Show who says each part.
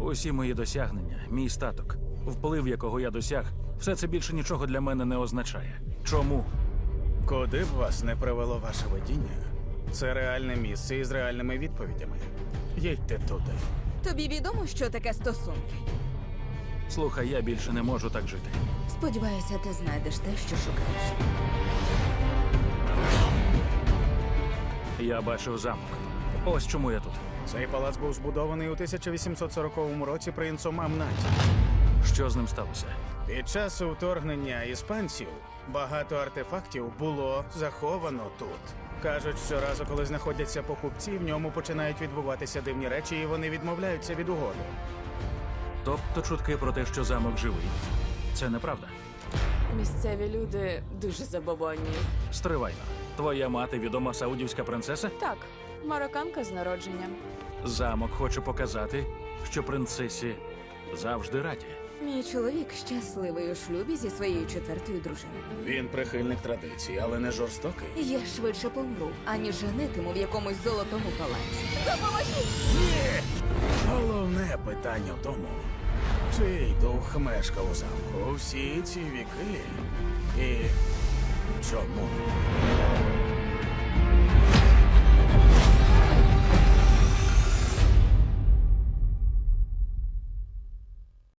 Speaker 1: Усі мої досягнення, мій статок, вплив, якого я досяг, все це більше нічого для мене не означає. Чому?
Speaker 2: Куди б вас не привело ваше видіння, це реальне місце із реальними відповідями. Їдьте туди.
Speaker 3: Тобі відомо, що таке стосунки?
Speaker 1: Слухай, я більше не можу так жити.
Speaker 3: Сподіваюся, ти знайдеш те, що шукаєш.
Speaker 1: Я бачив замок. Ось чому я тут.
Speaker 2: Цей палац був збудований у 1840 році принцом Амнаті.
Speaker 1: Що з ним сталося?
Speaker 2: Під час вторгнення іспанців багато артефактів було заховано тут. Кажуть, щоразу, коли знаходяться покупці, в ньому починають відбуватися дивні речі, і вони відмовляються від угоди.
Speaker 1: Тобто чутки про те, що замок живий. Це неправда.
Speaker 4: Місцеві люди дуже забобонні.
Speaker 1: Стривайно. Твоя мати відома саудівська принцеса?
Speaker 4: Так, марокканка з народження.
Speaker 1: Замок хоче показати, що принцесі завжди раді.
Speaker 3: Мій чоловік щасливий у шлюбі зі своєю четвертою дружиною.
Speaker 2: Він прихильник традицій, але не жорстокий.
Speaker 3: Я швидше помру, аніж женитиму в якомусь золотому палаці.
Speaker 2: Головне питання в тому, чий дух мешкав у замку всі ці віки і чому?